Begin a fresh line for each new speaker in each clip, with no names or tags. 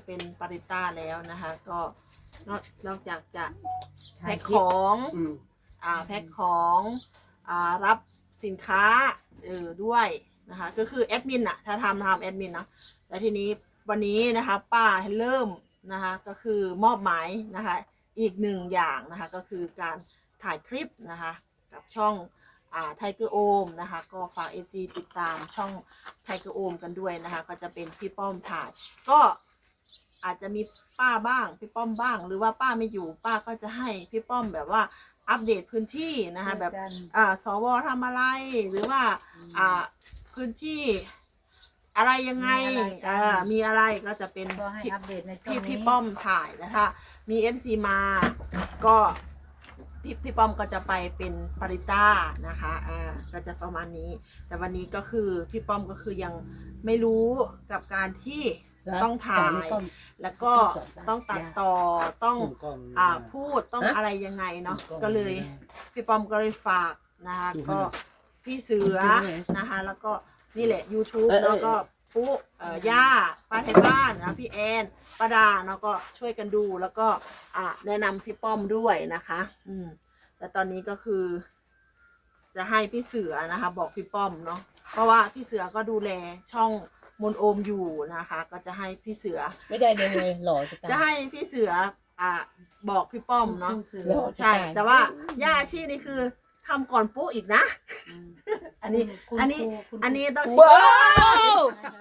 เป็นปาริต้าแล้วนะคะก็นอกจากจะแพ็คของแพ็คของรับสินค้าด้วยนะคะก็คือแอดมินอะถ้าทำแอดมินนะแล้วทีนี้วันนี้นะคะป้าเริ่มนะคะก็คือมอบหมายนะคะอีกหนึ่งอย่างนะคะก็คือการถ่ายคลิปนะคะกับช่องไทเกอร์โอมนะคะก็ฝาก FC ติดตามช่องไทเกอร์โอมกันด้วยนะคะก็จะเป็นพี่ป้อมถ่ายก็อาจจะมีป้าบ้างพี่ป้อมบ้างหรือว่าป้าไม่อยู่ป้าก็จะให้พี่ป้อมแบบว่าอัปเดตพื้นที่นะคะแบบสวทำอะไรหรือว่าพื้นที่อะไรยังไงมีอะไรก็จะเป็นพี่ป้อมถ่ายนะคะมี FC มาก็พี่ป้อมก็จะไปเป็นปาริต้านะคะก็จะประมาณนี้แต่วันนี้ก็คือพี่ป้อมก็คือยังไม่รู้กับการที่ต้องถ่ายแล้วก็ต้องตัดต่อต้องพูดต้องอะไรยังไงเนาะก็เลยพี่ป้อมก็เลยฝากนะคะก็พี่เสือนะคะแล้วก็นี่แหละ YouTube แล้วก็ปุ๊ย่าป้าไทยบ้านนะพี่แอนป้าดาเนาะก็ช่วยกันดูแล้วก็แนะนำพี่ป้อมด้วยนะคะแต่ตอนนี้ก็คือจะให้พี่เสือนะคะบอกพี่ป้อมเนาะเพราะว่าพี่เสือก็ดูแลช่องมนโอมอยู่นะคะก็จะให้พี่เสือ
ไม่ได้เลยไงหล่อ
จะให้พี่เสือบอกพี่ป้อมเนาะใช่แต่ว่าย่าชีนี่คือทำก่อนปุ๊อีกนะอันนี้ต้องชิม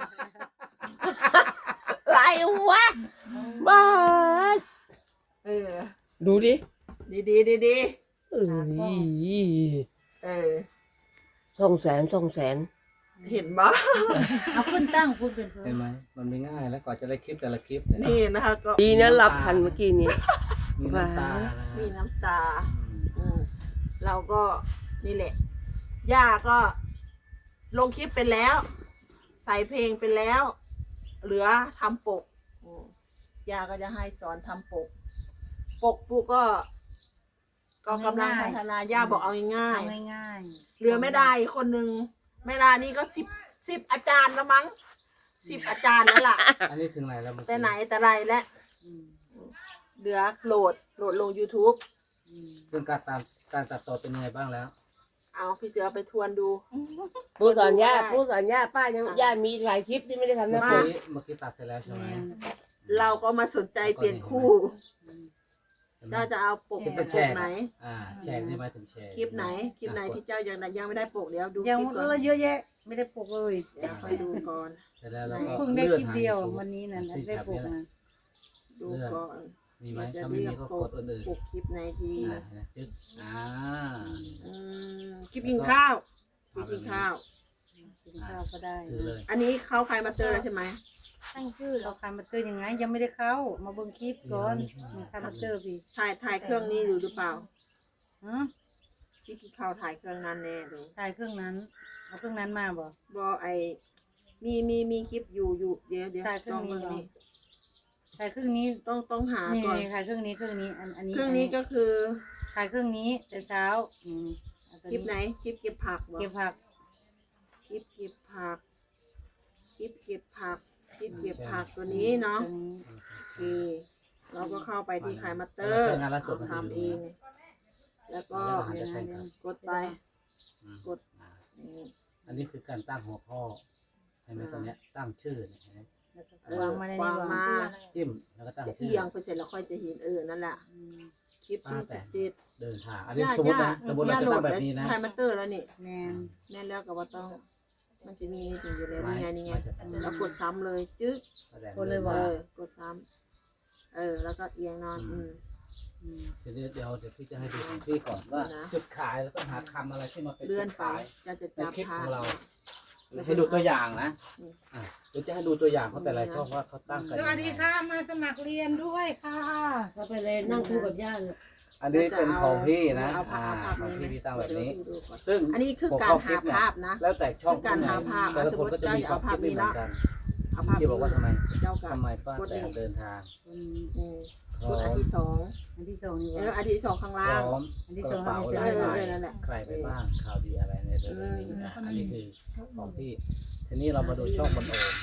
อะไรวะบ้าดูดิ
ดี
200,000
เห็นบ้า
เอาขึ้นตั้งคุณเป็น
เห็นไหมมันไม่ง่ายแล้วกว่าจะได้คลิปแต่ละคลิป
นี่นะคะก็
ดีนะรับทันเมื่อกี้นี้
มีน้ำตา
เราก็นี่แหละย่าก็ลงคลิปเป็นแล้วใส่เพลงเป็นแล้วเหลือทำปกย่าก็จะให้สอนทำปกปุ๊ก็กำลังพัฒนาย่าบอกเอาง่ายเหลือไม่ได้คนหนึ่งไม่ได้นี่ก็สิบอาจารย์แล้วมั้ง10 อาจารย์แล้วล่ะ
อันนี้ถึงไหนแล้ว
แต่ไหนแต่ไรแล้วเหลือโหลดลง YouTube
เรื่องการตัดต่อเป็นยังไงบ้างแล้ว
เอาพี่เสือไปทวนดู
ผู้สอนย่าป้ายังย่ามีหลายคลิปที่ไม่ได้ทำนะ
เมื่อกี้ตัดเสร็จแล้วใช่ไหม
เราก็มาสนใจเปลี่ยนคู่เจ้าจะเอาปกไหน
แชร์ได้ไหมถึงแชร์
คลิปไหนที่เจ้ายังไม่ได้ปกเดี๋ยวดู
ยังเยอะแยะไม่ได้ปกเลย
เดี๋ยวไปดูก่อน
เพิ่งได้คลิปเดียววันนี้นะได้ปกนะ
ดูก่อน
มีไหมถ้าไม่มีก็กดอื่น
ปกคลิปไหนดีคลิป
กิน
ข้าว
ก็ได้
อันนี้เข้าใครมาเตอร์แล้วใช่ไหม
ตั้งชื่อเราใครมาเตอร์ยังไงยังไม่ได้เข้ามาเบิ่งคลิปก่อนใครมาเตอร์พี่
ถ่ายเครื่องนี้หรือเปล่าที่กินข้าวถ่ายเครื่องนั้นแน่เลย
ถ่ายเครื่องนั้นเอาเครื่องนั้นมาบ่
มีคลิปอยู่เดี๋ยว
ถ่ายเครื่องนี้ถ่ายเครื่องนี้
ต้องหาก่อน
ถ่ายเครื่องนี้อันนี้
เครื่องนี้ก็คือ
ถ่ายเครื่องนี้แต่เช้า
คลิปไหนคลิปเก็บผัก
เก็บผัก
คลิปเก็บผักตัวนี้เนาะโอเคเราก็เข้าไปที่ขายมาเตอร์ทำเองแล้วก็กดไปกด
อันนี้คือการตั้งหัวข้อใช่ไหมตอนนี้ตั้งชื่อ
วางมาในนี้วาง
จิ้มแล้วก็ตั้งชื่อ
เอียงไปเสร็จแล้วค่อยจะเห็นนั่นแหละคลิปที่
17เดินทางอันนี้สมมติเราจะตั้งแบบนี้นะ
ขายมาเตอร์แล้วนี่แน่แล้วกับว่าต้องมันจะมีนี่อยู่เลยนี่ไงแล้วกดซ้ำเลยจึ๊ก
กดเลยว่
ากดซ้ำแล้วก็เอียงนอน
เดี๋ยวพี่จะให้ดูของพี่ก่อนว่าจุดขายแล้วต้องหาคำอะไรที่มาเป็น
เลื่อนไปจะจับ
คลิปของเราให้ดูตัวอย่างนะเดี๋ยวจะให้ดูตัวอย่างเขาแต่ละช่องว่าเขาตั้งกัน
สวัสดีค่ะมาสมัครเรียนด้วยค่ะ
เราไปเลยนั่งคู่กับย่า
อันนี้เป็นของพี่นะของพี่ตั้งแบบนี้ซึ่ง
อันนี้คือการหาภาพนะ
แล้วแต่ช่อง
การหาภาพ
แต่ละคนก็จะมีความคิดไม่เหมือนกันพี่บอกว่าทำไมป้าแต่เดินทาง
กดอันที่สอง
นี่
แล้วอันที่สองข้างล่าง
อันที่สอง
นั่นแหละ
ใครไปบ้างข่าวดีอะไรในเรื่องนี้อันนี้คือของพี่ทีนี้เรามาดูช่องบนโอม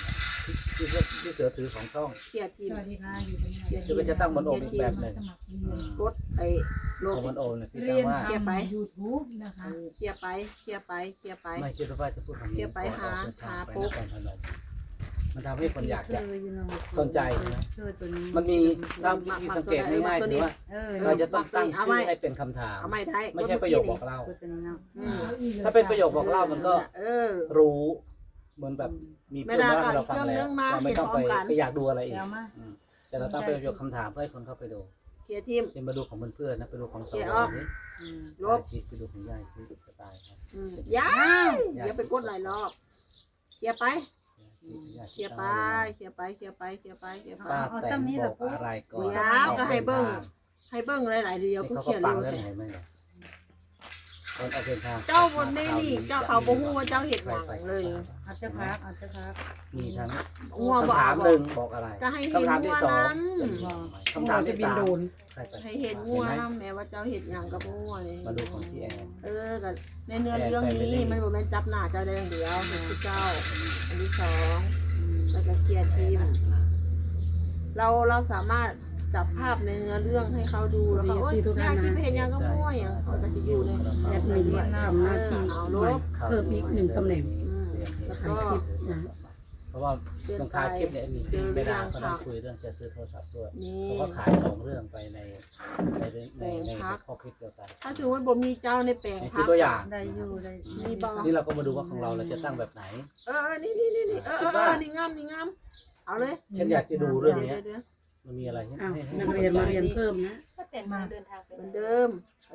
ที่เสือถือของช่อง
เคลียร์ทีม
สวัสดีค่ะอยู่ตรงนี้
คือก็จะตั้งบนโอมอีกแบบหนึ่ง
สมัครเรียน
กดไอ้โล
ของ
ก
บนโอมเนี่ยที่
เรี
ตั้
ย
ง
น
ว่า
เคลียร์ไป
ทำ YouTube นะคะ
เคลียร์ไปเคลียร์ไปเคลียร์ไป
ไม่คิดว่าจะพูดคำนี้
เดี๋ยวไปหา
ก่อนออกเดินทางไป
ปุ๊
น
บ
ครพนมมันทำให้คนอยากจะ
เคอยู่เะ
สนใจนะ
เคยตัวนี้
มันมีตามวิธีสังเกตง่ายๆคือว่า
เออ
เราจะต้องตั้งชื่อให้เป็นคำถาม
เอาไม่ได้
ไม่ใช่ประโยคบอกเล่า
ตัวนี้เนาะ
อืม
ถ้าเป็นประโยคบอกเล่ามันก็
เออ
รู้เหมือนแบบมี
ไม่
เพื่อน
ได้
มาให้เราฟัง
ก็อีกเครื่องนึ
แล้ว
งมา
เราไม่ต้องไป
เห็นพร้อมกัน
ไปอยากดูอะไรอีก
เดี๋ยวมา
อืมแต่เราต้องไปประโยคคำถามเพื่อให้คนเข้าไปดู
เคลียร์ทีม
เป็นมาดูของเพื่อนๆนะไปดูของส
เดี๋
ว
ยว
นี่
อืม
ลบ
ชีพไปดูของยายชีพสไตล์ครับ
ยายอย่าไปกดหลายรอบเคลียร์ไป
ยาย
เคลียร์ไปเคลียร์ไปเคลียร์ไปเคลียร์ไปเคลียร์ไป
ป้าแต่งบอกอะไรก่อน
ยาวก็ให้เบิ้ง ให้เบิ้งหลายๆเดียว
นี่
เพื่อ
เขา
เคลี
ก็
ยร์
ปั
เร็
ง
ว
เรื่องไหนไหมเนี่ยตอนออกเดินทาง
เจ้าบนไม่นี่เจ้าเขาบ่ฮู้ว่าเจ้าเห็ดหยังเลย
อาจจะพักอาจจะพัก
มีทั้ง
งัวบ่
คำถา
เอา
ม
บ่
หนึ่งบอกอะไร
ก็ให้เห็น
คำถามที่สอง
งัวนั้น
คำถามที่สามใครไป
ให้เห็นงัวนํแม้ว่าเจ้าเห็ดหยังกับงัวนี่
มาดูของพี่แอน
ก็ในเนื้อเรื่องนี้มันบ่แม่นจับหน้าเจ้าได้อย่างเดียวเห็นที่เจ้าอันที่สองแล้วก็เคลียร์ทีม เราสามารถจับภาพในเนื้อเรื่องให้เขาดูแล้วเขายากที่เพนยังก็มั่วอย่างเขาก็จะอยู่ใน
แอดมินทำหน้าที่
เอาล
ใหม่
บ
เพิ่มอีกหนึ่งตำแหน่ง
แล้ว
ถ่าย
ก็
คลิปนะ
เพราะว่าตรงท้ายคลิปเนี่ยมีไม่ได้เขาต้องคุยเรื่องจะซื้อโทรศัพท์ด้วย
นี่
เขาก็ขายสองเรื่องไปในข้อคลิปเดียวกัน
ถ้าสมมติบ่มีเจ้าในแปลง
นี่
พั
คือก ตัวอย่าง
ได้อยู่ได้
นี่บ่
นี่เราก็มาดูว่าของเราเราจะตั้งแบบไหน
นี่นี่งามนี่งามเอาเลย
ฉันอยากจะดูเรื่องนี้
เดี๋ยว
มันมีอะไรให้
อ้าว
ให้
นักเรียนมาเรียนเพิ่มนะ
ก็แต่มาเดินทางไป
เหมือนเดิม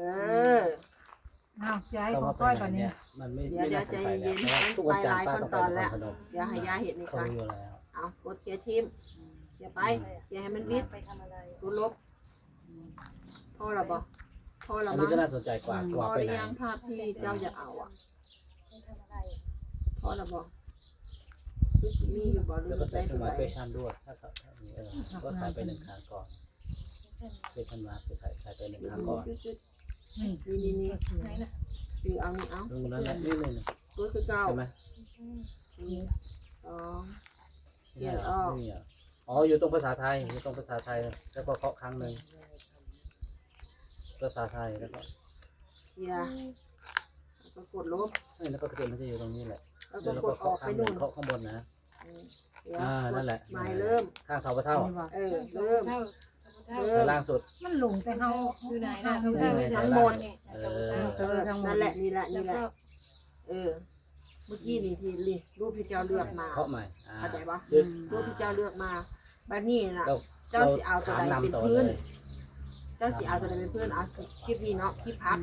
อ้าวย้าย
ก็
ของ
ว่า
ก้อย
เป็น
ก่อน
ไง
นี่
เนี่ยมันไม่น่าสงสัยแล้วเพราะว่าทุกวันจันทร์ป้าต้องไปนครพนม
อย่าให้ยาเห็ดนี่
เขา
ค่ะ
รู้อยู่แล้ว
เอากดเคลียร์ทีมเคลียร์ไปเคลียร์ให้มันวิด
ไปทำอะไร
ตัวลบพ่อละบ่พ่อละ
อัน
มั้
นี้
ง
ก็น่าสนใจกว่า
พ
ว่า
อ
ไป
หรื
ไหน
อยังภาพที่เจ้าอยากเอาอ่ะ
ไปทำอะไร
พอละบ่คือสิมีอยู่บ่หรือ
แล้วก็
ใส่
ใส่เครื่องห
ตัว
มาย
ใด
เฟชั่นด้วยถ้ามีก็ใส่ไปหนึ่งครั้งก่อนเฟชั่นมาไปใส่ไปหนึ่งครั้งก่อน
นี่
ไหนน่ะ
คือเอานี่เอา
ตรงนั้นแหละนี่เลยนะ
ตัวคือเก่า
ใช่ไหม
สอง
นี่เหรอไม่มีเหรออ๋ออยู่ตรงภาษาไทยอยู่ตรงภาษาไทยแล้วก็เคาะครั้งหนึ่งภาษาไทยแล้วก็
เคลียร์แล้วก็กดลบ
แล้วก็กระเทียมมันจะอยู่ตรงนี้แหละ
แล้วก็
แล้ว
ก
ก็
ดออ
เคาะ
ก
ค
ไป
รั้งหนึ่
นู่
ง
น
เคาะข้างบนนะ
เดี๋ยว
นั่นแหละ
ไม่เริ่ม
ข้างเท้าพระเท่า
เริ่ม
แต่ล่างสุด
มันหลงไปเฮา
อยู่ไหนน่ะ
ทั้งหมด
เออ
นั่นแหละนี่แหละนี่แหละเมื่อกี้นี่ที่รูปที่เจ้าเลือกมา
เคาะใหม่
เข้าใจปะ
ยึด
รูปที่เจ้าเลือกมาบัดนี้น่ะ
เรา
เจ้าสิเอาตัวใดเป็น
ต่อ
พื้น
เลย
เจ้าสิเอาตัวใดเป็นพื้นเอาสิคลิปนี้เนาะคลิปพัก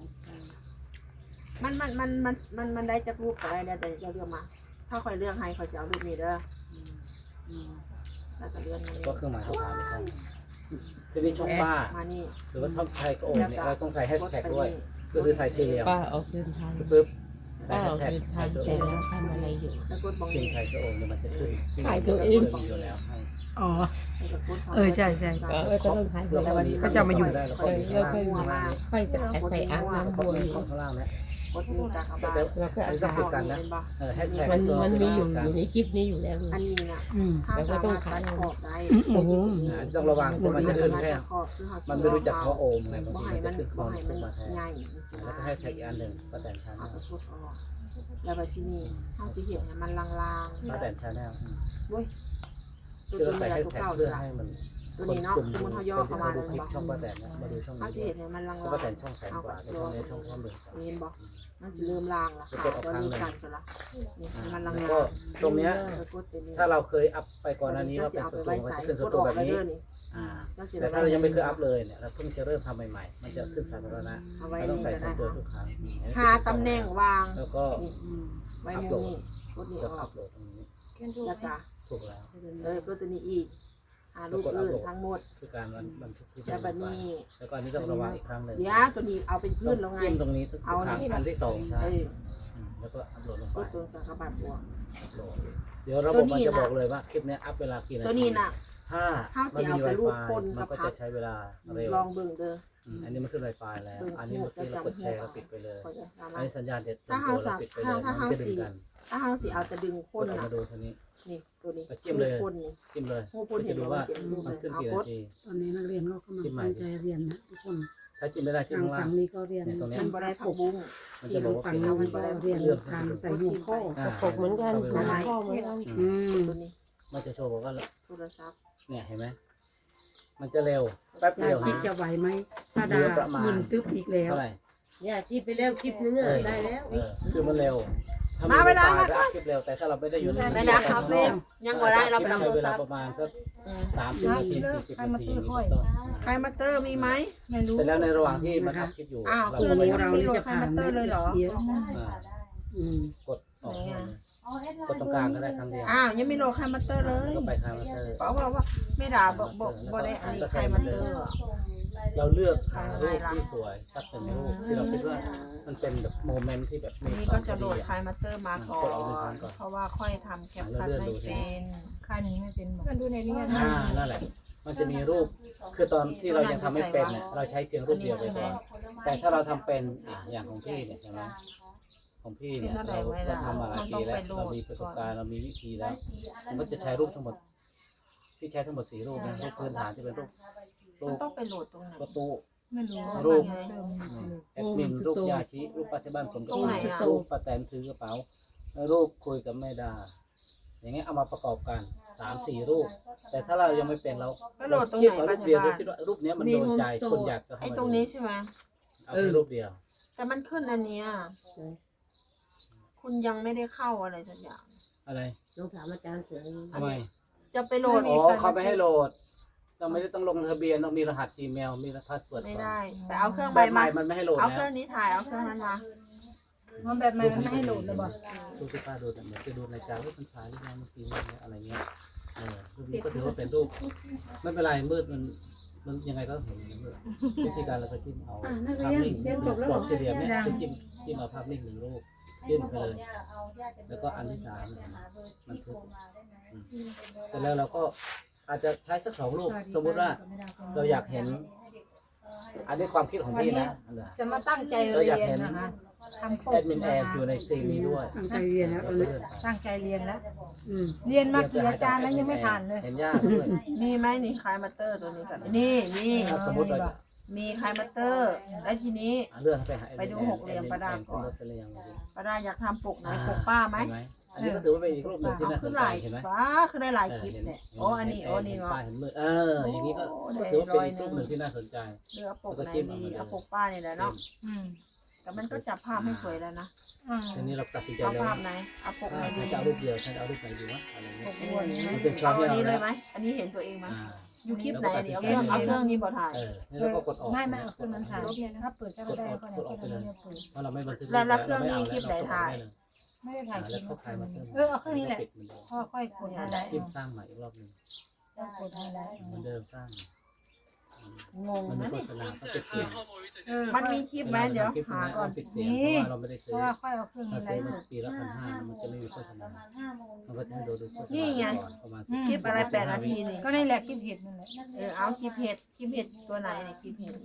มันได้จากรูปอะไรแล้วแต่เจ้าเลือกมา ถ้าคอยเลือกให้คอยจะเอารูปนี้เด้อแล้วก็เลือกมา
ก็เครื่องหมายคำถามอีกครั้งทีนี้ช่องป้า
มานี่
หรือว่าช่องไทยก็โอนเนี่ยเราต้องใส่แฮชแท็กด้วยก็คือใส่สี่เหลี่ยม
ป้าออกเดินทาง
ปึ๊บใส่
ป้า
แฮ
อ
ช
อก
แท็ก
เดินทาง
ไทยก็โอ
แต่
น
แล้วทำอะไรอยู่
แล้วกดบัง
พิมพ์ไทยก็โอนเนี่ยมันจะขึ้น
ถ่ายตัวเอง
มีอยู่แล้วให้
อ๋อ
แล้วกด
เออใช่ใช่
ก็ต้องถ่าย
เพื่อ
แล้ว
วันนี้
ก็จะมาอยู่
ได้แล้วก็มีข้างล่างข้างล่าง
ไปใส่อาบน้ำ
ก็
บัว
มี
อยู่
ข้างล่างนะ
กดมือกากบาท
แล้วก็
อัน
อา
นี้ต้อง
บ
ติดกันนะแฮชแท็ก
มันมีอยู่ในคลิปนี้อยู่แล้ว
อันนี้น่ะ
อืม
ข้าวสารตัดขอบได้
โอ้โห
ต้องระวังเพราะมันจะขึ้นแค่
ขอบคือเขา
มันไม่รู้จักเขาโอมไงบาง
บ่
ที
ให้
มัน
มั
จะ
น
ขึ้นค
บ่
อน
ให้
ขึ้
มัน น
มาแทน
ใหญ่
แล้วก็ให้แท็กอีกอันหนึ่งป้าแตนชาแน
เอา
ล
ไปกดออกแล้วไปที่นี่ข้าวสีเห็ดเนี่ยมันลาง
ป้าแตนชาแนล
ๆเว้ยตัว
คือเรา
นี้
ใส่
ละ
แฮช
ตัว
แท็ก
เก่า
เพื่อ
ละ
ให้มัน
ตัวนี้เนาะสมมติเขาย่อเข้ามา
ดู
เลย
คลิป
บอก
ช่องป้าแตนนะมาดูช่อง
ข้าวสี
นี้
เห็ดเนี่ยมันลาง
แล้วป้าแตนช่องแสนกว่าในช่องนี้ช่องข้อมือ
เห็นบอกมันสิเริ่มลางละค่ะตัวนี้กันตัวละนี่มันลาง
แล้ว
ๆ
ก็ตรงเนี้ย
กดไปนี่
ถ้าเราเคยอัพไปก่อนหน้านี้ว่าเป็นส่วนตัวมันจะขึ้นส่วนตัวแบบนี้แต่ถ้าเรายังไม่เคยอัพเลยเนี่ยเราเพิ่งจะเริ่มทำใหม่ๆมันจะขึ้นสาธารณะ
เอาไว้
เราต้อง
นี่
ใส่
ก็
ส่วน
ได้
ตัวทุกครั้ง
หาตำแหน่งวาง
แล้วก็
ไว้มุมนี้กดนี่
กด
อ
อั
อก
พโหลดตรงนี้
แค่ดู
แล้วก็
ถูกแล้ว
กดตัวนี้อีกหารูปอื่นทั้งหมด
คือการบันทึกที่
แล้วแบบนี้
แล้วก็อันนี้ต้องระวังอีกครั้งหนึ่ง
เดี๋ยวตัวนี้เอาเป็นพื้นแล้วไง
จิ้มตรงนี้ทุกครั้งอันที่สองใช่แล้วก็อัพโหลดลง
ก็
ไป
ตัวกระบาดบวก
อัพโหลดเดี๋ยวระบบมันจะบอกเลยว่าคลิปนี้อัพเวลากี่นาที
ตัวนี้น่ะ
ถ้า
ห้า
มัน
สิ
มี
เอาไปรูป
Wi-Fi
คนกั
มั
บ
นก็
พั
จะ
ก
ใช้เวลาเร็ว
ลองเบิ่งเด้อ
อันนี้มันขึ้น Wi-Fi แล้ว อันนี้เมื่อกี้เรากดแชร์เราปิดไปเลย
ก็จะสา
อั
มาน รถ
นี้สัญญาณเด็ด
ถ้า
ตัว
เฮา
เราปิดไปเลยมันจะดึงกัน
ถ้าเฮาสิเอาจะดึงคน
เรา
น่ะ
มาดูทีนี้
นี่ตัวนี้
ก็จิ้มเลย
หูพุ่นนี่
จิ้มเลย
หูพุ่น
ก็
เห็
จะ
น
ดู
ไหม
ว่า
เปลี่ยนรูป
มั
เล
น
ย
ขึ้น
เอา
กี่
ก
นา
ด
ที
ตอนนี้นักเรียนก็กำลังตั้งใจเรียนนะทุกคน
ถ้าจิ้มไม่ได้จิ้ม
ทาง
ข้างล่า
ฝั่
ง
งนี้ก็เรียน
เนี่ยตรงเนี้ย
มันบ่ได้ผักบุ้ง
มันจะบอกว่า
ฝั่ง
เปลี่ยน
นู้นก็เรียนการใส่หัวข้อ
อ่า
ตกเหมือนกัน
เข้าไป
น้ำข้อเหมือนกัน
อืม
ตัวนี้
มันจะโชว์บอกว่า
โทรศัพท์
เนี่ยเห็นไหมมันจะเร็วแป๊บ
ยา
เดียว
คิด
นะ
จะไหวไหมถ้าดา
ประมาณ
มึนตึ๊บอีกแล้ว
เท่าไหร่
ย่าคิดไปแล้วคลิปนึงอะได้แล้ว
คือมันเร็วถ้า
มาไม่ได้
โอกาส
มา
อัดคลิปเร็วแต่ถ้าเราไม่ได้อยู่ใน
ไม่ได้ครับเล่นยังบ่ได้เราไป
ใช้
ทำโทร
เวลา
ศัพท์
ประมาณสัก
อืม
30 นาที 40 นาทีอย่างนี้เป็นต้น
ใครมาเตอร์มีไหม
ไม่รู้
เสร็จแล้วในระหว่างที่มันอัดคลิปอยู่
อ้าว
เรา
คือ
ก็
นี้
ไป
เรานี่จะผ่านไหม
อ่า
อืม
กดออกเลยกดตรงกลางก็ได้ครั้งเดียว
อ้าวยังไม่โหลดใครมาเตอร์เลย
ก็ไปคาร์มาเตอร์
เพราะว่าไม่ด่าบ่ได้อันนี้ใครมาเตอร์อะ
เราเลือกหารูปที่สวยสักหนึ่งรูปที่เราคิดว่ามันเป็นแบบโมเมนต์ที่แบบมี
นี่
ควา
ก็
ม
จะโหลด
ดี
ใครมาเตอร์มาก่อน เพราะว่าค่อยทำแคปคัทไม่เป็น
ค่านี้ไม่เป็นบอก
มันดูในนี้นะ
นั่นแหละ มันจะมีรูป คือตอนที่เรายังทำไม่เป็นเนี่ยเราใช้เพียงรูปเดียวไปก่อน แต่ถ้าเราทำเป็นอย่างของพี่เนี่ยใช่ไหมของพี่เนี่ยเราทำมาหลายปีแล้วเรามีประสบการณ์เรามีวิธีแล้วมันก็จะใช้รูปทั้งหมดพี่ใช้ทั้งหมด4รูปนะรูปพื้นฐานที่เป็นรูป
มันต้องไปโหลดตรงไหน
ประตู
ไม่รู้
รูป
เติมไม่รู้
แอดมินรูปยาชีรูปปัจจุบันผมก็
ตรงไหนอะ
รูปป้าแตนถือกระเป๋าแล้วรูปคุยกับแม่ดา อย่างเงี้ยเอามาประกอบกัน3-4 รูป แต่ถ้าเรายังไม่เป็นเรา
ก็โหลดตรง
คิด
ไหน
ว่า
ปั
รู
จ
ป
จุ
เดียว
บั
เรา
น
คิดว่ารูปเนี้ยมันโดนใจคนอยากจะเข้า
ไอ้
มา
ตรงนี้ใช่ไหม
เอาแค่รูปเดียว
แต่มันขึ้นอันเนี้ยคุณยังไม่ได้เข้าอะไรสักอย่าง
อะไร
ลองถามอาจารย์เสือ
ทำไม
จะไปโหลด
อ๋อเขาไปให้โหลดเราไม่ได้ต้องลงทะเบียนต้องมีรหัส Gmail มีพาสเวิร์ด
ไม่ได้ แต่เอาเครื่อง
แบ
ใบบ
ให
มา
ม่มันไม่ให้โหลด
เอา
แล้
เคว รื่องนี้ถ่ายเอาเครื่องนั้นมา
มันแบบไม่ให้โหลดเลยบอก
รูปที่ป้าดูแต่เหมือนจะดูรายการรูปพรรษาหรือยังเมื่อกี้เนี่ยอะไรเงี้ยรูปนี้ก็ถือว่าเป็นรูปไม่เป็นไรมืดมันยังไงก็เห็นอย่างมืดวิธีการเราก็จิ้มเอาภาพนิ่งกรอบสี่เหลี่ยมเนี่ยจิ้มเอาภาพนิ่ง1 รูปจิ้มไปเลยแล้วก็อันที่3มันทึกเสร็จแล้วเราก็อาจจะใช้สัก2 รูปสมมุติว่าเราอยากเห็น อันนี้ความคิดของพี่นะ
จะมาตั้งใจ
เรา
เรี
อยาก
ยน
เห็น
นะคะทำโค
แอดมินแอนอยู่ในซีนนี้ด้วย
ตั้งใจเรียนแล้วตอนนี้
ตั้งใจเรียนแล้ว
อืม
เรียนมากี่อาจารย์แล้วยังไม่ผ่านเลย
เห็นยากด้วย
มีไหมนี่คลายมาเตอร์ตัวนี้ก่อนนี่มี
ถ้าสมมติเราจะ
มีคลายมาเตอร์แล้วทีนี้
เลื่อนไปหา
ไปดูหกเหลี่ยมประดาก่อน
ไปเลยยัง
ป้าได้อยากทำปกไหนปกป้าไหม
เห็นไหมอันนี้ก็ถือว่าเป็นอีกรูปหนึ่งที่
เอา
น่าส
ขึ้
น
น
ใจ
หลาย
เห็นไหม
ป้าขึ้นได้หลายคลิปเนี่ยโอ้อันนี้โอ้นี่
เห็
เนาะ
ป้ายเห็นมืออย่างนี้ก็ถือว่าเป็นอีกรูปหนึ่งที่น่าสนใจ
เลือกปกไหนดีเอาปกป้านี่แหละเนาะ
อืม
แต่มันก็จับภาพไม่สวยแล้วนะ
ทีนี้เราตัดสินใจ
เอา
แล้ว
ภาพไหนเอาปกไหนดี
จะเอารูปเดียวใช่เอารูปไหนดีวะอะไร
ป
เงี้ย
กอ้วนนี่ไหม
มันเป็นช้อ
เอา
นที่
อัน
เรา
นี้เลยไหมอันนี้เห็นตัวเองไหม
อ่า
อยู่คลิปไหนนี่เอาเครื่องนี้บ่ถ่าย
นี่เราก็กดออก
ไม่เอาเครื่องนั้นถ่ายถ้าเปิดจะได้ก็ได้เครื่องนั้นเนี่ยเปิด
เพราะเราไม่บันทึก
แล้วเครื่องนี้คลิปไหนถ่าย
ไม่ได้ถ่ายคลิ
แล้ว
ป
เข้าถ่ายมาเพิ่ม
เอาเครื่องนี้แหละพ่อค่อยกดอะไร
คลิปสร้างใหม่อีกรอบหนึ่ง
กดอะไร
เหมือนเดิมสร้าง
งง
มันมี
นะ
โฆษณาก็ปิดเสียง
มันมีคลิปไหมเดี๋ยวหาก่อน
ปิดเสียงเพราะว่าเราไม่ได้
เพ
ซื้อ
ราะว่าค่อยเอาเครื่อง
เรา
นี้ไล
ซื้อ
ฟ์ส
มา
ด
ปีละ1,500มันจะไม่มีโฆษณามันก็จะให้ดูโฆษณา
นี่ไง
ประมาณ
คลิปอะไร8 นาทีนี่
ก็นี่แหละคลิปเห็ดนั่นแหละ
เอาคลิปเห็ดตัวไหนเนี่ยคลิปเห็ด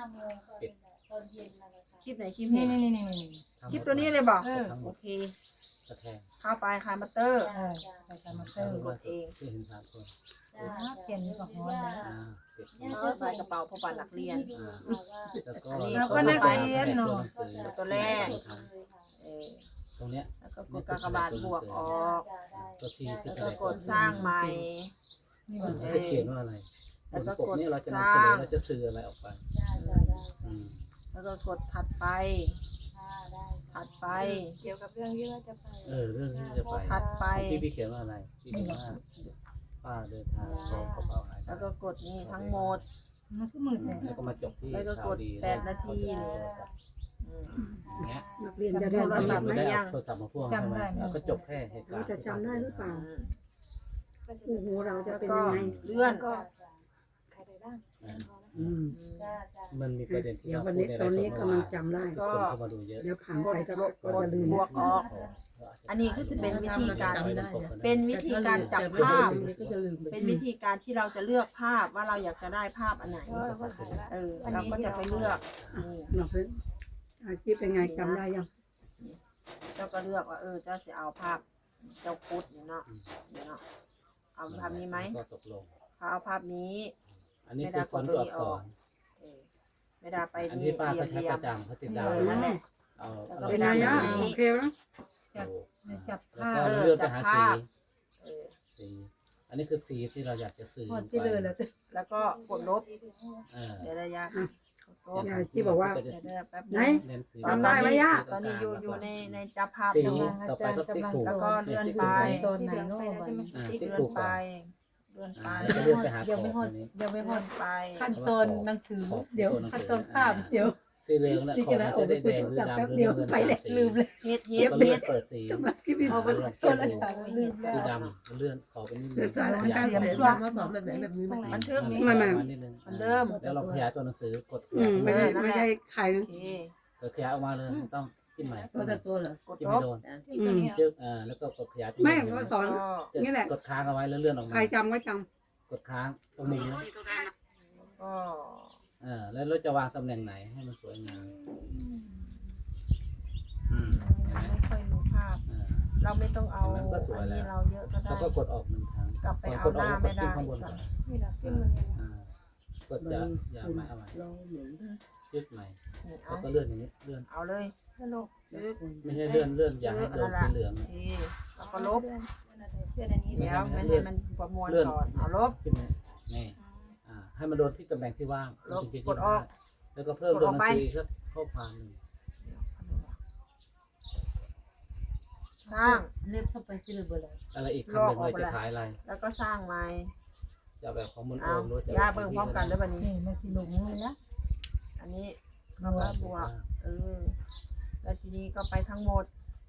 คลิปไหนคลิป
นี่
เห็ด
นี่นี่นี่
คลิปตัวนี้เลยบอก
ทั้งหม
โอ
ด
เค
กระแทก
เข้าไปคลายมาเตอร์
ใส่กามาเตอร์
กดเอง
ที่เห็น3 คน
เปลี่ยนนี่ก็ฮอนนะ
ปิด
แล้วใส่กระเป๋าพอปันนักเรียน
แล้วก็ตัวแรก
เออ
ตรงเนี้ย
แล้วก็กดกากบาทบวกออก
ตัวที
แล้วก็กดสร้างใหม่
นี่มัน
จะเขียนว่าอะไรบนปกนี้เราจะนำเสนอเราจะสื่ออะไรออกไป
แล้วก็กดถัดไป ถัดไป
เกี่ยวกับเรื่องที่ว่าจะไป
เรื่องที่จะไป
ถัดไป
พี่เขียนว่าอะไรพี่เขียนว่าป้าเดินทางของกระเป๋าหาย
แล้วก็กดนี่ทั้งหมด
มันก็มืดเลย
แล้วก็มาจบที่
แล้วก็กด8 นาที อืม
เงี้ย
นักเรียนจะได้จำ
ไม่
ไหม
ได้เอาโทรศัพท์มาพ่วงใช่ไหมแล้วก็จบแค่เหตุการณ์
จะจำได้หรือเปล่า
อืม
โอ้โหเราจะ
แล้ว
เป็น
ก็
ยังไง
เลื่อน
ก็ใครไปบ้าง
อืม
มันมีประเด็นที่
เดี๋ยว
เรา
วัน
พู
นี้
ดใน
ตอน
ไล
นี้
ฟ์สด
กำลังจำได้
ก็
คนเข้ามาดูเยอะ
เดี๋ยวผ่าน
ก
ไป
ด
ก็จะลืม
บวกออก อันนี้คือจะเป็นวิธีการ เป็นวิธีการจับภาพ
ก็จะลืม
เป็นวิธีการที่เราจะเลือกภาพว่าเราอยากจะได้ภาพอันไหน เราก็จะไปเลือกนี่
เราเพิ่งอาชีพเป็นไงจำได้ยัง
เจ้าก็เลือกว่าเจ้าจะเอาภาพเจ้าคุดเนี่ยเนาะเดี๋ยวเนาะเอาภาพนี้ไหม
ก็ตกลง
เขาเอาภาพนี้
อันนี้คือคนตัวอักษร
เออไม่ได้ไป
อัน
นี่
ที่ป้า
เรีย
ก็
ม
ใช้
เรีย
ป
ม
ระจำเขาติดดา
เอ
ว
อนั่นแหละ
เอา
แล้วก็
เป็นไงอ่ะโอเคแล้ว
จับ
แล้ว
ผ้า
ก็เลื่อนไปหาสี
เออ
สี อันนี้คือสีที่เราอยากจะสื่อ
หอดที่เลยแล้ว
แล้วก็กดลบ
เออ
เดี๋ยวระยะลบ
ยายที่บอกว่า
เดี๋ยวแป๊บ
ไหน
นึง
เน้นสี
จำได้ไหมย่า
ตอนนี้อยู่ในจับภาพ
สี
อยู่
ต่อไปก็ติ๊กถูก
แล้วก็เลื่อนไป
ตอนไหน
ที่เหลือง
เนาะ
ไปแล้วใช่ไหม
อ่า
ติ๊ก
ติ๊ก
เลื่อ
ถู
น
ก
ไป
ก่อน
เลื่อนไป
แล้วก็เลื่อนไปหาข
ยัง
อบ
ไม่หอด
ตัวนี้
ยังไม่หอ
เลื่อ
ด
นไป
ขั้นตอนหนังสือ เดี๋ยวขั้นตอนภาพเดี๋ยว
สีเหลืองนะ
นี่
ขอ
ก็
บ
นะ
มันจะได้แดงหรือ
จับ
ดำ
แป๊บ
หรือ
เดียว
เงิน
ไปแล้ว
สี
ลืมเลย
เฮ็ด
แล้วก็เลื่อนเปิดสี
สำหรับคลิปนี้
เอาไปโซนละฉากลืมแล้ว
สีดำเลื่อนขอไปนิดนึง
เลื่อน
ขยาย
เลื่อน
เสียงมาสอนแบบไหนแบบนี้ไหม
บันทึก
ไม่
มานิดนึง
เหมือนเดิม
แล้วเราขยายตัวหนังสือกดข
อื
ยาย
ม
ขึ้น
ไม่
มา
ใช่ใคร
โอเค
เกิดขยายออกมาเลยต้องจิ้มใหม่
ตัวแต่ตัวเหรอก
ด
จิ้ม
ล
ไม่
บ
โดน
ที่ตัวเนี้ย
จึ๊กแล้วก็กดขยาย
ไม่ก็สอน
ก็
นี่แหละ
กดค้างเอาไว้แล้วเลื่อนออก
ใคร
มา
จำก็จ
กดค้างตรงมุมนะ
ก็
แล้วเราจะวางตำแหน่งไหนให้มันสวยงามเห็นไหม
ไม่ค่อยรู้ภาพ เราไม่ต้องเอา
เห็นไหมก็สวย
อัน
แล้
นี้
ว
เราเยอะก็ได้
เราก็กดออกหนึ่งครั้ง
กลับไป
ก่อน
เอา
กด
ห
ออ
น้าก
แล้ว
ไม่
กด
ได้
จิ้มข้างบนก่อน
นี่แหละขึ้นมันเนี่ย
กดจะอย่าไม้เอาไว้
เราเหมือน
ยึดใหม่
นี่
แล้
เอา
วก็เลื่อนอย่างนี้เลื่อน
เอาเลย
สนุก
ยึด
ไม่ใช่เลื่อนอย่าให้โดนสีเหลือง
โอเคแล้วก็ลบ
เลื่อนอันนี้
เดี๋ยวไม่ให้มันประมวลก่อนเอาลบ
ขึ้นมานี่ให้มันโดนที่ตำแหน่งที่ว่าง
ลบ
จริงๆ
กดออก
แล้วก็เพิ่ม
กด
ตัว
อ
ห
อก
นัง
ไป
สือสักข้อความหนึ่ง
สร้าง
เล็บเข้าไปสิเลยเบอร์อะไร
อะไรอีกคำหนึ่งเลยจะขายอะไร
แล้วก็สร้างใหม่
จะแบบของมุนโอ
เอา
มหรือจะ
ย่าเบิ่งพร้อมกันแล้วบัดนี้
นี่มันสิลงเลยนะ
อันนี้ก็ว่าบวกแล้วทีนี้ก็ไปทั้งหมด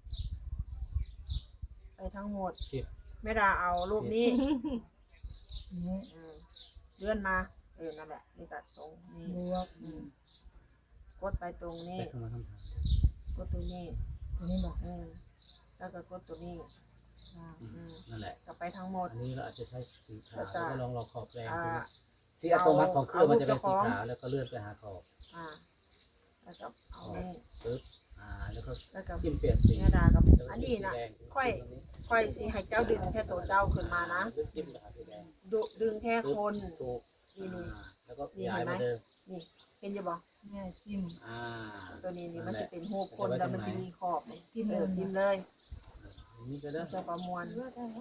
ไปทั้งหมด
คิด
ไม่ได้เอารูปนี้
นี่
เลื่อนมานั่นแหละนี่ตัดตรงนี้
บวก
กดไปตรงนี้
ไปเข้ามาทำทาง
กดตรงนี้
ตัวนี้บอก
แล้วก็กดตัวนี้
นั่นแหละ
ก็ไปทั้งหมด
อันนี้เราอาจจะใช้สีขาว
แล้วก็
แล้วก็ลองขอบแดง
อ่า
ดูนะสีอัตโนมัติของเครื่องมันจะเป็น
เอารู
สี
ปเจ้าของ
ขาวแล้วก็เลื่อนไปหาขอบ
แล้วก็เอา
ขอบ
นี่
ปึ๊บแล้วก็
แล้วก็
จิ้มเปลี่ยนสี
แม่ดากับ
แล้วก็
อันนี้นะ
สีแดง
ค่อยสิให้เจ้าดึงแค่ตัวเจ้าขึ้นมานะ
จิ้มไปหาสีแดง
ดึงแค่คน
ถูก
นี่
แล้วก็ย้ายมาเดิม
นี่เห็นจะบอก
แม่จิ้ม
ตัวนี้นี่มันจะเป็นหูคนแล้วมันจะมีขอบนี่
จิ้มเลย
จิ้มเลย
นี่ก็ได้
มันจะประมวล
เลือดได้ไหม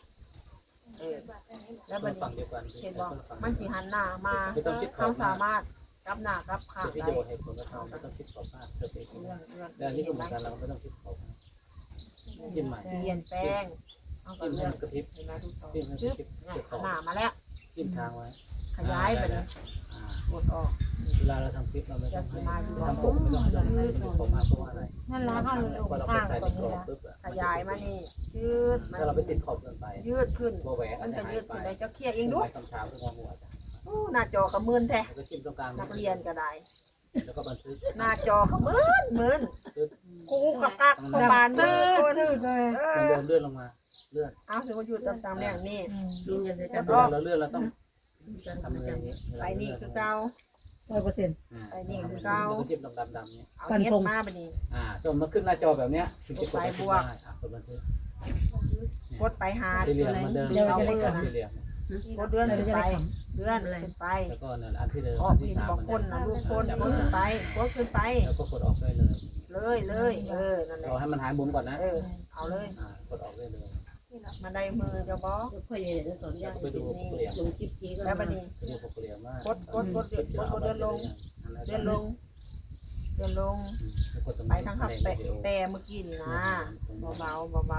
แล้ว
มั
มัน น
ฝั่งเดียวกัน
เห็นบอกมันสีหันหน้ามา
ไม่ต้องคิดขอ
เขา
บ
สามารถกับหน้ากับข้าง
ที่
ได้
จะบอกให้ผลก็ทำไม่ต้องคิดขอบมากเกิดไปที่
เรื่
นั่
อน งเรื่อง
แต่อันนี้ก็เหมือนกันเราไม่ต้องคิดขอบมากจิ้มใหม่
เปลี่ยนแปลงเอาก็
จิ้มให้
เรื่อง
มันกระพริบ
เห็นไหมทุกสอง
จิ้มให้
ชึ
กระ
บ
พริบ
เนี่ย
เก็บขอบ
หน้ามาแล้ว
จิ้มทางไว้
ขยายไปเลย
อ่าก
ดออก
เวลาเราทำคลิปเราไม่ต้องให้ทำผมไม่ต้องให้เราให้มันขอบมากเพราะว่าอะไร
นั่นละห้าเลย
พอเราไป
ข้าง
ใส่
ก่
ใน
อน
กร
นี่
อบ
ละ
ปุ๊บ
ขยายมานี่ยืดมา
ถ้าเราไปติดขอบเกินไป
ยืดขึ้น
โบแหว
มัน
จะ
จะ
หา
ยื
ย
ด
ไป
ขึ้นได้เจ้าเคลียร์เองดู
คำถามคืองอหัวจ้ะ
โอ้หน้าจอกระมืนแท้
แล้วก็จิ้มตรงกลาง
นักเรียนก็ได้
แล้วก็บันทึก
หน้าจอกระมืนครูกับกักโรงพยาบาลมือคน
ตื้อเลย
เดินเลื่อนลงมาเลื่อน
เอาสิว่าอยู่ตามๆอย่างนี้
ดูกันเลย
เว
กัน
ลาเราเลื่อนเราต้องทำอย่างนี้
ไปนี่คือเก่า
100%
ไปนี่คือเก่า
แล้วก็จิ้มดำๆเนี่ย
เอาเฮ็ดมาบัดนี้
จนมาขึ้นหน้าจอแบบเนี้ยถึงจะกด
ไปบวก
ได้กดบันทึก
กดไปหา
สี่เหลี่ยมเหมือนเดิม
เอามือ
สี่
นะ
เหลี่ยม
กดเลื่อนขึ้นไปเลื่อนขึ้นไป
แล้วก็นั่นอันที่เดิม
ออ
อั
ก
นที่
หิน
สาม
บอกคนนะลูกคนกดขึ้นไปกดขึ้นไป
แล้วก็กดออกได้เลย
เลยนั่นแหละ
เราให้มันหายมุมก่อนนะ
เอาเลย
กดออกได้เลย
มาได้มือจะบอก
พ่อใหญ่จะสอนยาก
ไปดูปกเหลี่ยม
ลงคลิปนี้ก็
แล้วบัดนี้
ไปดูปกเหลี่ยมว่าก
ดเดินลงเดินลงไปทางขับแปรเมื่อกี้นี่นะเบา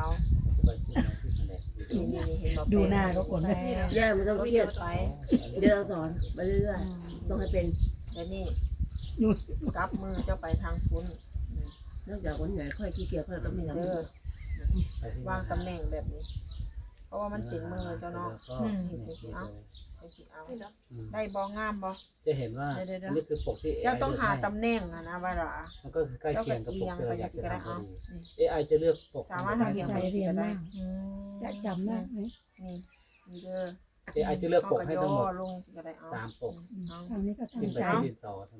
นี่เห็นบอก
ดูหน้าก็กดได้
ย่าไม่ต้องเครียด
ไป
เดี๋ยวเราสอนไปเรื่อยๆต้องให้เป็น
แล้วนี่กับมือเจ้าไปทางคุณ
นอกจากคนใหญ่ค่อยขี้เกียจค่อยก็มีทำ
วางตำแหน่งแบบนี้ เพราะว่ามันเป็นมือเจ้าเนาะไปสิเอา
นี่เหรอ
ได้บองามบอ
จะเห็นว่าอันนี้คือปกที่
เจ้าต้องหาตำแหน่งนะว่าล่ะ
มันก็คือใกล้
เจ้า
เคีย
ก็
งกับป
เอี
ก
ยง
ที่
ไป
เราอยากจะ
สิก็ได้
ทำพ
เอา
อดี AI จะเลือกปก
สามารถทำอย่าง
ใจ
นี้
เรียน
ก็ได้
มากจะจำได้ไหม
นี่เด้อ
AI จะเลือกปกให้ทั้งหมด
ลงก็ได้เอา
3 ปก
เอา
คราวนี้ก็
ขึ้น
ตั้ง
ไป
ใจ
ที่ดินสอใช่ไหม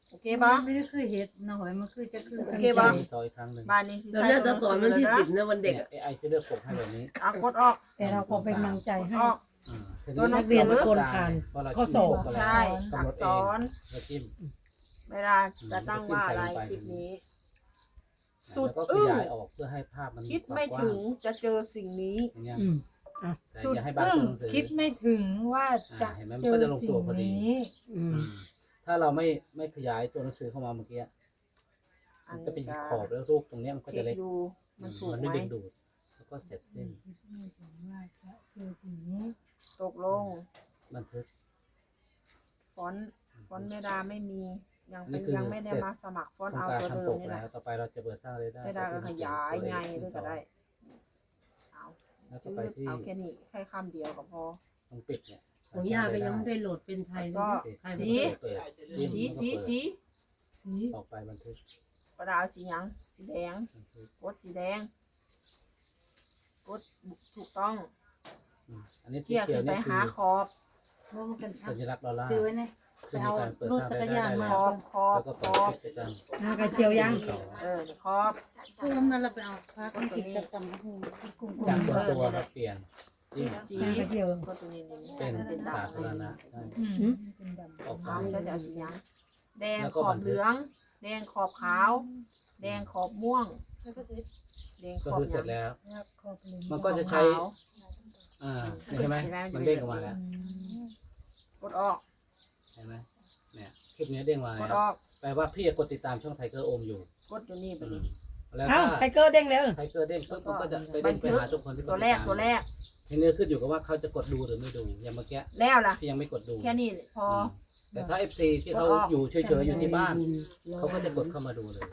โอเคปะ
ไม่ได้เคยเห็นนะหอยมันคือจะคือ
โอเคปะ
จอยครั้งหนึ่ง
บ้านนี้สิ
เรา
ใส่
เลือก
ตั
จะ
ว
สอน
ห
วัน
นัง
ที่
สือ
10นะวันเด็ก
เนี่ย
อะ
AI จะเลือกปกให้แบบนี้
กดออก
แต่เราก็เป็นกำลังใจให้
ออก
ตัว
นักเรียนทุกคน
ผ่าน
ว่าเรา
ข้อสอบ
ใช่อักษร
แล้วจิ้ม
เวลาจะตั้งว่าอะไรคลิปนี้ สุด
แล้วก็ข
อึ้ง
ยายออกเพื่อให้ภาพมัน
คิดไม่ถึงจะเจอสิ่งนี้
อย่างเงี้ย
อืม
แต่อย่าให้บางตัวหนังสือ
คิดไม่ถึงว่าจะ
เห็นไหมมัน
เจอ
ก็จะลงตั
สิ่
ว
ง
พอดี
นี้
อืม
ถ้าเราไม่ขยายตัวหนังสือเข้ามาเมื่อกี้
อั
มัน น
นี้
จะเป็น
ก็
ขอบแล้วรูปตรงเนี้ยมันก็
เช็
จะ
ค
เล็ก
ดูมันถูก
มัน
ไห
ไม่
ม
ดึงดูดแล้วก็เสร็จสิ้น
คิดไม่ถึงว่าจะเจอสิ่งนี้
ตกลง
บันทึก
ฟอนต์เมดาไม่มียัง
นี่
เป็น
คือ
ยังไม่ได้มาสมัครฟอนต์
ทำ
เอา
การ
ตัวเดิ
ทำป
ม
ก
นี่
แล้
แห
ว
ละ
ต่อไปเราจะเปิดสร้างรายได้
เมดาก็ขยายไงด้วยก็ได้เอา
แล้วก็
จื
ไป
ด
ที่
เอาแค่นี้แค่คำเดียวก็พอ
ตรงปิดเนี่ย
ของย่าก็ยังไม่ได้โหลดเป็นไทยเลย
ก็
นะ
ปิด
ใคร
สี
มาเปิด
เปิดจิ้ม
สี
แล้วก็
สี
เปิด
สี
ออกไปบันทึก
กระดาษสีหยังสีแดง
บันทึก
กดสีแดงกดถูกต้อง
อันนี้สี
เชี่ย
เขีย
ขึ้
วน
ไป
นี่คื
หา
อ
ขอบ
เพราะมันเป็น
สัญลักษณ์ดอลลาร์
ซื้อไว้เนี่ย
คือมีการเปิดสร้างรายได้ได้
ข
แล้
อ
ว
บขอบ
แล้วก็
ข
เปิด
อบ
กิจกรรม
กระเจียวยัง
นี่ขอบ
คือทำนั้นเราไปเอาพักกิจกรรมหูกุ้ง
จากส่วนตัวมาเปลี่ยนจิ้ม
สี
กระเจียว
ก็ตัวนี้นี่
เป็นสาธารณะได้
เป็นดำ
ออกไป
เอาจะเอาสีหยังแดง
แล้ว
ข
ก็
อ
บั
บ
นทึก
เหลือง แดงขอบขาว แดงขอบม่วง
แล้วก็เสร็จ
แดงข
ก็
อบ
คือ
ห
เสร็
ยั
จ
ง
แล้ว
แล้วขอบเลย
มันก็จะใช้
ขาว
เห็นไหมมันเด้งออกมาแล้ว
กดออก
เห็นไหมเนี่ยคลิปนี้เด้งมา
ก
แล้
ด
ว
ออก
แปลว่าพี่กดติดตามช่องไทเกอร์โอมอยู่
กดอยู่นี่ไป
อื
ดิ
มแล้ว
เอ้า
ถ้า
ไทเกอร์เด้งแล้ว
ไทเกอร์เด้งปุ๊บมันก็จะไปเด้งไปหาทุกคนที่กด
ตัว
ติด
แรก
ตาม
ตัวแรก
ทีนี้ขึ้นอยู่กับว่าเขาจะกดดูหรือไม่ดูอย่างเมื่อกี้
แล้วล่ะ
พี่ยังไม่กดดู
แค่นี้พอ
แต่ถ้า FC ที่เขาอยู่เฉยๆอยู่ที่บ้าน เขาก็จะกดเข้ามาดูเลย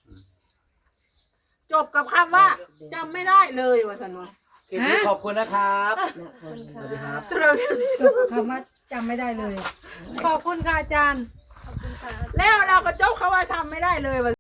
จบกับคำว่าจำไม่ได้เลยว่าสันวะ
คลิปนี้ขอบคุณนะครับ สวัสดีครับ
จบคำว่าจำไม่ได้เลย
ขอบคุณค่ะอาจารย์
ขอบคุณค่ะ
แล้วเราก็จบคำว่าทำไม่ได้เลยว่า